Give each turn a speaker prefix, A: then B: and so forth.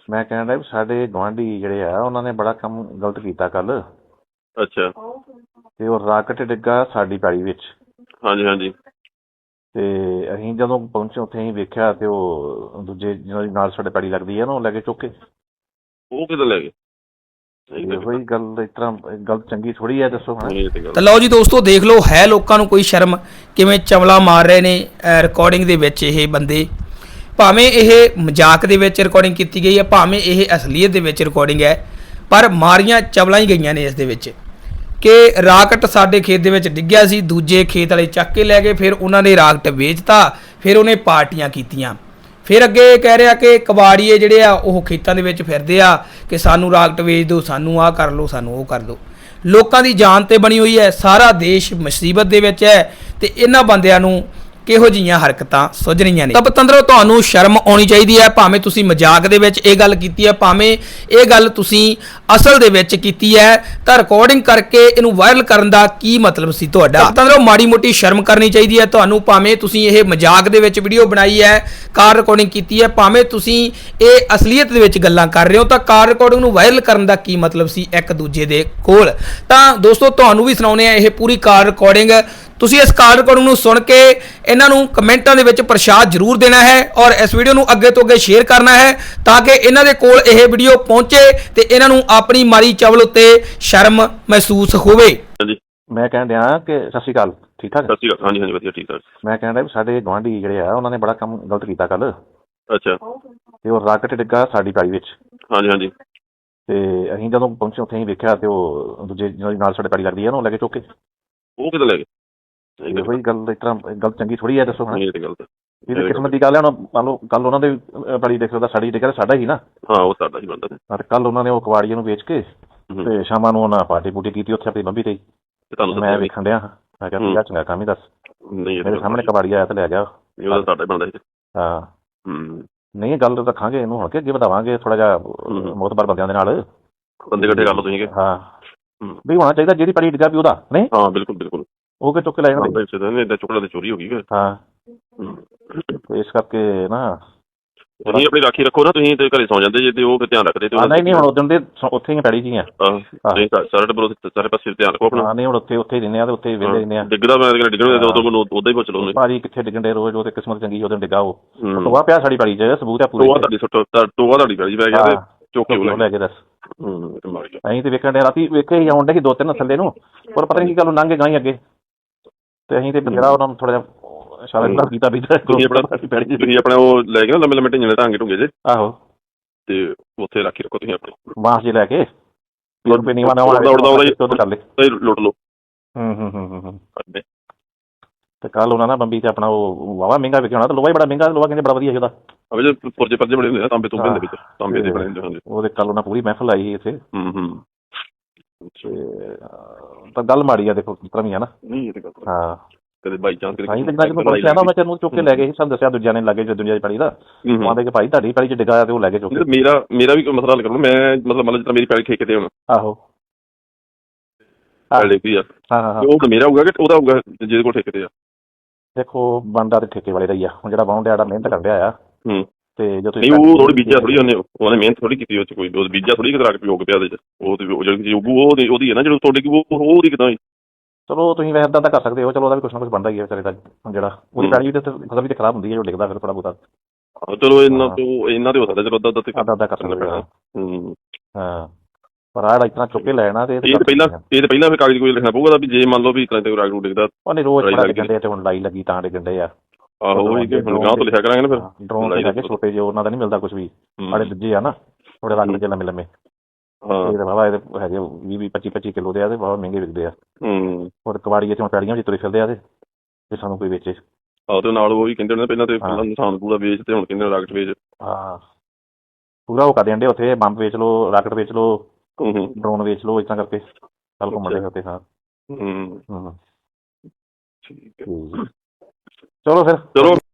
A: ਮੈਂ ਕਹਿਣ ਡਿਆ ਵੀ ਸਾਡੇ ਗੁਆਂਢੀ ਜਿਹੜੇ ਆ ਉਹਨਾਂ ਨੇ ਬੜਾ ਕੰਮ ਗਲਤ ਕੀਤਾ ਕੱਲ।
B: ਅੱਛਾ।
A: ਤੇ ਉਹ ਰਾਕਟ ਡਿੱਗਾ ਸਾਡੀ ਪੈਲੀ ਵਿੱਚ।
B: ਹਾਂਜੀ ਹਾਂਜੀ।
A: ਤੇ ਅਸੀਂ ਜਦੋਂ ਪਹੁੰਚੇ ਉੱਥੇ ਅਸੀਂ ਵੇਖਿਆ ਤੇ ਉਹ ਦੂਜੇ ਜਿਹਨਾਂ ਦੀ ਨਾਲ ਸਾਡੇ ਪੈਲੀ ਲੱਗਦੀ ਆ ਨਾ ਉਹ ਲੈ ਕੇ ਚੁੱਕ ਕੇ।
B: ਉਹ ਕਿੱਦਾਂ ਲੈ ਗਏ?
A: ਇਹੋ ਹੀ ਗੱਲ ਇਸ ਤਰ੍ਹਾਂ ਗੱਲ ਚੰਗੀ ਥੋੜੀ ਹੈ, ਦੱਸੋ ਹੁਣ।
C: ਤਾਂ ਲਓ ਜੀ ਦੋਸਤੋ, ਦੇਖ ਲਓ ਹੈ ਲੋਕਾਂ ਨੂੰ ਕੋਈ ਸ਼ਰਮ ਕਿਵੇਂ ਚਵਲਾ ਮਾਰ ਰਹੇ ਨੇ ਰਿਕਾਰਡਿੰਗ ਦੇ ਵਿੱਚ ਇਹ ਬੰਦੇ। ਭਾਵੇਂ ਇਹ ਮਜ਼ਾਕ ਦੇ ਵਿੱਚ ਰਿਕਾਰਡਿੰਗ ਕੀਤੀ ਗਈ ਹੈ, ਭਾਵੇਂ ਇਹ ਅਸਲੀਅਤ ਦੇ ਵਿੱਚ ਰਿਕਾਰਡਿੰਗ ਹੈ, ਪਰ ਮਾਰੀਆਂ ਚਵਲਾਂ ਹੀ ਗਈਆਂ ਨੇ ਇਸ ਦੇ ਵਿੱਚ ਕਿ ਰਾਕਟ ਸਾਡੇ ਖੇਤ ਦੇ ਵਿੱਚ ਡਿੱਗਿਆ ਸੀ, ਦੂਜੇ ਖੇਤ ਵਾਲੇ ਚੱਕ ਕੇ ਲੈ ਗਏ, ਫਿਰ ਉਹਨਾਂ ਨੇ ਰਾਕਟ ਵੇਚਤਾ, ਫਿਰ ਉਹਨੇ ਪਾਰਟੀਆਂ ਕੀਤੀਆਂ। ਫਿਰ ਅੱਗੇ ਕਹਿ ਰਿਹਾ ਕਿ ਕਬਾੜੀਏ ਜਿਹੜੇ ਆ ਉਹ ਖੇਤਾਂ ਦੇ ਵਿੱਚ ਫਿਰਦੇ ਆ ਕਿ ਸਾਨੂੰ ਰਾਕਟ ਵੇਚ ਦਿਓ, ਸਾਨੂੰ ਆਹ ਕਰ ਲਓ, ਸਾਨੂੰ ਉਹ ਕਰ ਦਿਓ। ਲੋਕਾਂ ਦੀ ਜਾਨ ਤੇ ਬਣੀ ਹੋਈ ਹੈ, ਸਾਰਾ ਦੇਸ਼ ਮੁਸੀਬਤ ਦੇ ਵਿੱਚ ਹੈ ਤੇ ਇਹਨਾਂ ਬੰਦਿਆਂ ਨੂੰ ਕਿਹੋ ਜਿਹੀਆਂ ਹਰਕਤਾਂ ਸੁੱਝ ਰਹੀਆਂ ਨੇ। ਤਾਂ ਪਤੰਦਰੋ, ਤੁਹਾਨੂੰ ਸ਼ਰਮ ਆਉਣੀ ਚਾਹੀਦੀ ਹੈ। ਭਾਵੇਂ ਤੁਸੀਂ ਮਜ਼ਾਕ ਦੇ ਵਿੱਚ ਇਹ ਗੱਲ ਕੀਤੀ ਹੈ, ਭਾਵੇਂ ਇਹ ਗੱਲ ਤੁਸੀਂ ਅਸਲ ਦੇ ਵਿੱਚ ਕੀਤੀ ਹੈ, ਤਾਂ ਰਿਕਾਰਡਿੰਗ ਕਰਕੇ ਇਹਨੂੰ ਵਾਇਰਲ ਕਰਨ ਦਾ ਕੀ ਮਤਲਬ ਸੀ ਤੁਹਾਡਾ? ਪਤੰਦਰੋ, ਮਾੜੀ ਮੋਟੀ ਸ਼ਰਮ ਕਰਨੀ ਚਾਹੀਦੀ ਹੈ ਤੁਹਾਨੂੰ। ਭਾਵੇਂ ਤੁਸੀਂ ਇਹ ਮਜ਼ਾਕ ਦੇ ਵਿੱਚ ਵੀਡੀਓ ਬਣਾਈ ਹੈ, ਕਾਰ ਰਿਕਾਰਡਿੰਗ ਕੀਤੀ ਹੈ, ਭਾਵੇਂ ਤੁਸੀਂ ਇਹ ਅਸਲੀਅਤ ਦੇ ਵਿੱਚ ਗੱਲਾਂ ਕਰ ਰਹੇ ਹੋ, ਤਾਂ ਕਾਰ ਰਿਕਾਰਡਿੰਗ ਨੂੰ ਵਾਇਰਲ ਕਰਨ ਦਾ ਕੀ ਮਤਲਬ ਸੀ ਇੱਕ ਦੂਜੇ ਦੇ ਕੋਲ? ਤਾਂ ਦੋਸਤੋ, ਤੁਹਾਨੂੰ ਵੀ ਸੁਣਾਉਂਦੇ ਆ ਇਹ ਪੂਰੀ ਕਾਰ ਰਿਕਾਰਡਿੰਗ। ਤੁਸੀਂ ਇਸ ਕਾਰ ਰਿਕਾਰਡਿੰਗ ਨੂੰ ਸੁਣ ਕੇ ਇਹਨਾਂ ਨੂੰ ਕਮੈਂਟਾਂ ਦੇ ਵਿੱਚ ਪ੍ਰਸ਼ਾਦ ਜ਼ਰੂਰ ਦੇਣਾ ਹੈ ਔਰ ਇਸ ਵੀਡੀਓ ਨੂੰ ਅੱਗੇ ਤੋਂ ਅੱਗੇ ਸ਼ੇਅਰ ਕਰਨਾ ਹੈ ਤਾਂ ਕਿ ਇਹਨਾਂ ਦੇ ਕੋਲ ਇਹ ਵੀਡੀਓ ਪਹੁੰਚੇ ਤੇ ਇਹਨਾਂ ਨੂੰ ਆਪਣੀ ਮਾਰੀ ਚਵਲ ਉੱਤੇ ਸ਼ਰਮ ਮਹਿਸੂਸ ਹੋਵੇ।
B: ਹਾਂਜੀ।
A: ਮੈਂ ਕਹਿਣ ਡਿਆ ਕਿ ਸਤਿ ਸ਼੍ਰੀ ਅਕਾਲ, ਠੀਕ ਠਾਕ?
B: ਸਤਿ ਸ਼੍ਰੀ ਅਕਾਲ। ਹਾਂਜੀ ਹਾਂਜੀ, ਵਧੀਆ ਠੀਕ ਠਾਕ।
A: ਮੈਂ ਕਹਿਣ ਡਿਆ ਵੀ ਸਾਡੇ ਗੁਆਂਢੀ ਜਿਹੜੇ ਆ ਉਹਨਾਂ ਨੇ ਬੜਾ ਕੰਮ ਗਲਤ ਕੀਤਾ ਕੱਲ।
B: ਅੱਛਾ।
A: ਤੇ ਉਹ ਰਾਕਟ ਡਿੱਗਾ ਸਾਡੀ ਪੈਲੀ ਵਿੱਚ।
B: ਹਾਂਜੀ ਹਾਂਜੀ।
A: ਤੇ ਅਸੀਂ ਜਦੋਂ ਪਹੁੰਚੇ ਉੱਥੇ ਅਸੀਂ ਵੇਖਿਆ ਤੇ ਉਹ ਦੂਜੇ ਜਿਹਨਾਂ ਦੀ ਨਾਲ ਸਾਡੇ ਪੈਲੀ ਲੱਗਦੀ ਆ ਨਾ ਉਹ ਲੈ ਕੇ ਚੁੱਕ ਕੇ।
B: ਉਹ ਕਿੱਦਾਂ ਲੈ ਗਏ?
A: ਇਹੋ ਹੀ ਗੱਲ ਇਸ ਤਰ੍ਹਾਂ ਗੱਲ ਚੰਗੀ ਥੋੜੀ ਹੈ, ਦੱਸੋ ਹੁਣ।
B: ਇਹ ਤੇ ਗਲਤ।
A: ਇਹ ਤਾਂ ਕਿਸਮਤ ਦੀ ਗੱਲ ਹੈ। ਹੁਣ ਮੰਨ ਲਓ ਕੱਲ ਉਹਨਾਂ ਦੇ ਪੈਲੀ ਦੇਖ ਸਕਦਾ, ਸਾਡੀ ਡਿੱਗਾ ਸਾਡਾ ਹੀ ਨਾ।
B: ਹਾਂ, ਉਹ ਸਾਡਾ ਹੀ ਬਣਦਾ।
A: ਤੇ ਕੱਲ ਉਹਨਾਂ ਨੇ ਉਹ ਕਬਾੜੀਏ ਨੂੰ ਵੇਚ ਕੇ ਤੇ ਸ਼ਾਮਾਂ ਨੂੰ ਉਹਨਾਂ ਪਾਰਟੀ ਪੂਟੀ ਕੀਤੀ ਉੱਥੇ ਆਪਣੀ ਬੰਬੀ ਤੇ। ਮੈਂ ਵੇਖਣ ਡਿਆ, ਮੈਂ ਕਿਹਾ ਯਾਰ ਚੰਗਾ ਕੰਮ ਹੀ ਦੱਸ। ਮੇਰੇ ਸਾਹਮਣੇ ਕਬਾੜੀ ਆਇਆ ਤੇ ਲੈ ਗਿਆ।
B: ਉਹਦਾ ਸਾਡਾ ਹੀ ਬਣਦਾ।
A: ਹਾਂ। ਨਹੀਂ, ਗੱਲ ਰੱਖਾਂਗੇ ਇਹਨੂੰ ਹੁਣ ਕਿ ਅੱਗੇ ਵਧਾਵਾਂਗੇ ਥੋੜਾ ਜਿਹਾ ਮੋਤਬਰ ਬੰਦਿਆਂ ਦੇ ਨਾਲ।
B: ਬੰਦੇ ਇਕੱਠੇ ਕਰ ਲਓ ਤੁਸੀਂ। ਹਾਂ,
A: ਵੀ ਹੋਣਾ ਚਾਹੀਦਾ ਜਿਹੜੀ ਪੈਲੀ ਡਿੱਗਾ ਵੀ ਉਹਦਾ। ਨਹੀਂ,
B: ਹਾਂ ਬਿਲਕੁਲ ਬਿਲਕੁਲ। ਉਹ
A: ਕਿ ਚੁੱਕ ਕੇ ਲੈ ਜਾਂਦੇ।
B: ਏਦਾਂ ਚੁੱਕਣਾ ਤੇ ਚੋਰੀ ਹੋ ਗਈ।
A: ਹਾਂ, ਇਸ ਕਰਕੇ ਨਾ
B: ਤੁਸੀਂ ਆਪਣੀ ਰਾਖੀ ਰੱਖੋ ਨਾ। ਤੁਸੀਂ ਤੇ ਘਰੇ ਸੌ ਜਾਂਦੇ ਜੇ ਤੇ ਉਹ ਫਿਰ ਧਿਆਨ ਰੱਖਦੇ।
A: ਨਹੀਂ, ਹੁਣ ਉਦੋਂ ਦੇ ਉੱਥੇ ਹੀ ਪੈੜੀ ਜੀ ਆ
B: ਸਾਰੇ ਪਾਸੇ ਧਿਆਨ ਰੱਖੋ ਆਪਣਾ।
A: ਨਹੀਂ, ਹੁਣ ਉੱਥੇ ਹੀ ਰਹਿੰਦੇ ਆ ਤੇ ਉੱਥੇ ਹੀ ਵਿਹਲੇ ਰਹਿੰਦੇ ਆ।
B: ਡਿੱਗਦਾ ਮੈਂ ਡਿੱਗਣ ਉਦਾਂ ਹੀ ਪੁੱਛ ਲਓ
A: ਭਾਜੀ ਕਿੱਥੇ ਡਿੱਗਣ ਦੇ ਰੋਜ਼। ਉਹ ਤੇ ਕਿਸਮਤ ਚੰਗੀ ਉਦੋਂ ਡਿੱਗਾ। ਉਹ ਟੋਆ ਪਿਆ ਸਾਡੀ ਪੈੜੀ ਚ, ਸਬੂਤ ਆ ਪੂਰਾ।
B: ਟੋਆ ਤੁਹਾਡੀ ਪੈੜੀ ਪੈ ਗਿਆ ਤੇ ਚੁੱਕ ਕੇ
A: ਲੈ ਕੇ ਦੱਸ। ਅਸੀਂ ਤੇ ਵੇਖਣ ਦੇ ਰਾਤੀ ਵੇਖੇ ਹੀ ਆਉਣ ਡੇ ਸੀ 2-3 ਥੱਲੇ ਨੂੰ, ਪਰ ਪਤਾ ਨਹੀਂ ਕੀ ਗੱਲ ਲੰਘ ਗਏ ਅੱਗੇ ਤੇ ਅਸੀਂ ਤੇ ਜਿਹੜਾ ਉਹਨਾਂ ਨੂੰ ਥੋੜਾ ਜਿਹਾ ਕੀਤਾ ਵੀ
B: ਤੁਸੀਂ ਆਪਣਾ ਉਹ ਲੈ ਕੇ ਨਾ ਲੰਮੇ ਲੰਮੇ ਢਿੰਗੇ ਢਾਂਗੇ ਢੁੰਗੇ ਜੇ।
A: ਆਹੋ,
B: ਤੇ ਉੱਥੇ ਰਾਖੀ ਰੱਖੋ ਤੁਸੀਂ ਆਪਣੀ
A: ਬਾਂਸ ਜੇ ਲੈ ਕੇ ਲੁੱਟ
B: ਲਓ।
A: ਤੇ ਕੱਲ ਉਹਨਾਂ ਨਾ ਬੰਬੀ ਤੇ ਆਪਣਾ ਉਹ ਵਾਵਾ ਮਹਿੰਗਾ ਵਿਕਿਆ ਹੋਣਾ ਤੇ ਲੋਹਾ ਹੀ ਬੜਾ ਮਹਿੰਗਾ। ਲੋਹਾ ਕਹਿੰਦੇ ਬੜਾ ਵਧੀਆ ਉਹਦਾ।
B: ਪੁਰਜੇ ਪਰਜੇ ਬਣੇ ਹੁੰਦੇ ਆ ਤਾਂਬੇ ਤੁੰਬੇ ਦੇ ਵਿੱਚ, ਤਾਂਬੇ ਦੇ ਬਣੇ ਹੁੰਦੇ।
A: ਉਹਦੇ ਕੱਲ ਉਹਨਾਂ ਪੂਰੀ ਮਹਿਫਲ ਆਈ ਸੀ ਇੱਥੇ। ਤਾਂ ਗੱਲ ਮਾੜੀ ਆ ਦੇਖੋ ਕਿਸ ਤਰ੍ਹਾਂ ਵੀ ਆ ਨਾ।
B: ਨਹੀਂ, ਇਹ ਤੇ ਗੱਲ
A: ਹਾਂ।
B: ਕਦੇ ਬਾਈ ਚਾਂਸ
A: ਮੈਂ ਤੈਨੂੰ ਚੁੱਕ ਕੇ ਲੈ ਗਏ ਸੀ। ਸਾਨੂੰ ਦੱਸਿਆ ਦੂਜਿਆਂ ਨੇ ਲੱਗੇ ਦੁਨੀਆ ਦੀ ਪੈੜੀ ਦਾ। ਕਹਿੰਦੇ ਕਿ ਭਾਈ ਤੁਹਾਡੀ ਪੈੜੀ ਚ ਡਿੱਗਾ ਤੇ ਉਹ ਲੈ ਕੇ ਚੁੱਕ ਕੇ।
B: ਮੇਰਾ ਵੀ ਕੋਈ ਮਸਲਾ ਹੱਲ ਕਰੋ। ਮੈਂ ਮਤਲਬ ਜਿੱਦਾਂ ਮੇਰੀ ਪੈੜੀ ਠੇਕੇ ਤੇ ਹੁਣ।
A: ਆਹੋ,
B: ਉਹ ਮੇਰਾ ਹੋਊਗਾ ਕਿ ਉਹਦਾ ਹੋਊਗਾ ਜਿਹਦੇ ਕੋਲ ਠੇਕੇ ਤੇ ਆ?
A: ਦੇਖੋ, ਬੰਦਾ ਤੇ ਠੇਕੇ ਵਾਲੇ ਦਾ ਹੀ ਆ। ਹੁਣ ਜਿਹੜਾ ਬਾਹੋਂ ਡਿਆ ਮਿਹਨਤ ਕਰ ਰਿਹਾ ਆ ਤੇ ਜਦੋਂ
B: ਨਹੀਂ, ਉਹ ਥੋੜੀ ਬੀਜਿਆ ਥੋੜੀ ਉਹਨੇ ਮਿਹਨਤ ਥੋੜੀ ਕੀਤੀ। ਉਹ ਚ ਕੋਈ ਬੀਜਿਆ ਥੋੜੀ ਕਰਾ ਕੇ ਪਿਓਗ ਪਿਆ ਉਹਦੇ ਚ। ਉਹ ਜਿਹੜੀ ਉਹਦੀ ਹੈ ਨਾ ਜਿਹੜੀ ਤੁਹਾਡੀ ਉਹਦੀ ਕਿੱਦਾਂ?
A: ਚਲੋ ਤੁਸੀਂ ਵੈਸੇ ਇੱਦਾਂ ਕਰ ਸਕਦੇ ਹੋ। ਚਲੋ ਉਹਦਾ ਵੀ ਕੁਛ ਨਾ ਕੁਛ ਬਣਦਾ ਹੀ ਹੈ ਵਿਚਾਰੇ ਦਾ। ਜਿਹੜਾ ਉਹਦੀ ਪੈੜੀ ਵੀ ਫਸਲ ਵੀ ਤੇ ਖਰਾਬ ਹੁੰਦੀ ਹੈ ਜੋ ਡਿੱਗਦਾ ਫਿਰ ਥੋੜਾ ਬਹੁਤਾ।
B: ਚਲੋ ਇਹਨਾਂ ਤੇ ਹੋ ਸਕਦਾ। ਚਲੋ
A: ਅੱਧਾ ਕਰ ਸਕਦੇ। ਹਾਂ, ਪਰ ਆਹ ਇਸ ਤਰ੍ਹਾਂ ਚੁੱਕ ਕੇ ਲੈਣਾ ਤੇ
B: ਪਹਿਲਾਂ ਫਿਰ ਕਾਗਜ਼ ਕੋਈ ਲਿਖਣਾ ਪਊਗਾ ਵੀ ਜੇ ਮੰਨ ਲਓ ਵੀ ਰਾਗ ਨੂੰ ਡਿੱਗਦਾ।
A: ਉਹਨੇ ਰੋਜ਼ ਡਿੱਗਣ ਤੇ ਹੁਣ ਲਾਈ ਲੱਗੀ ਤਾਂ ਡਿੱਗਣ ਡੇ ਆ।
B: ਆਹੋ, ਹੁਣ ਗਾਂਹ ਤੋਂ ਲਿਖਿਆ ਕਰਾਂਗੇ ਨਾ ਫਿਰ।
A: ਡਰੋਨ ਲੈ ਕੇ ਛੋਟੇ ਜਿਹੇ ਉਹਨਾਂ ਦਾ ਨਹੀਂ ਮਿਲਦਾ ਕੁਛ ਵੀ। ਸਾਡੇ ਦੂਜੇ ਆ ਨਾ ਥੋੜੇ ਰੰਗ ਜਿਹੇ ਲੰਮੇ ਲੰਮੇ। ਬਾਬਾ ਇਹਦੇ ਹੈਗੇ 20-25 ਕਿਲੋ ਦੇ ਆ ਤੇ ਬਹੁਤ ਮਹਿੰਗੇ ਵਿਕਦੇ ਆ। ਹੋਰ ਕਬਾੜੀਏ ਚ ਪੈੜੀਆਂ ਵਿੱਚ ਤੁਰੇ ਫਿਰਦੇ ਆ ਤੇ ਸਾਨੂੰ ਕੋਈ ਵੇਚੇ।
B: ਆਹੋ, ਤੇ ਨਾਲ ਉਹ ਵੀ ਕਹਿੰਦੇ ਪਹਿਲਾਂ ਤੇ ਇਨਸਾਨ ਪੂਰਾ ਵੇਚ ਤੇ ਹੁਣ ਕਹਿੰਦੇ ਰਾਕਟ ਵੇਚ।
A: ਹਾਂ, ਪੂਰਾ ਉਹ ਕਰ ਦੇਣ ਡੇ ਉੱਥੇ। ਬੰਬ ਵੇਚ ਲਓ, ਰਾਕਟ ਵੇਚ ਲਓ, ਡਰੋਨ ਵੇਚ ਲਓ, ਇਸ ਤਰ੍ਹਾਂ ਕਰਕੇ ਕੱਲ ਘੁੰਮਣ ਡੇ ਉੱਥੇ। ਹਾਂ, ਚਲੋ ਫਿਰ।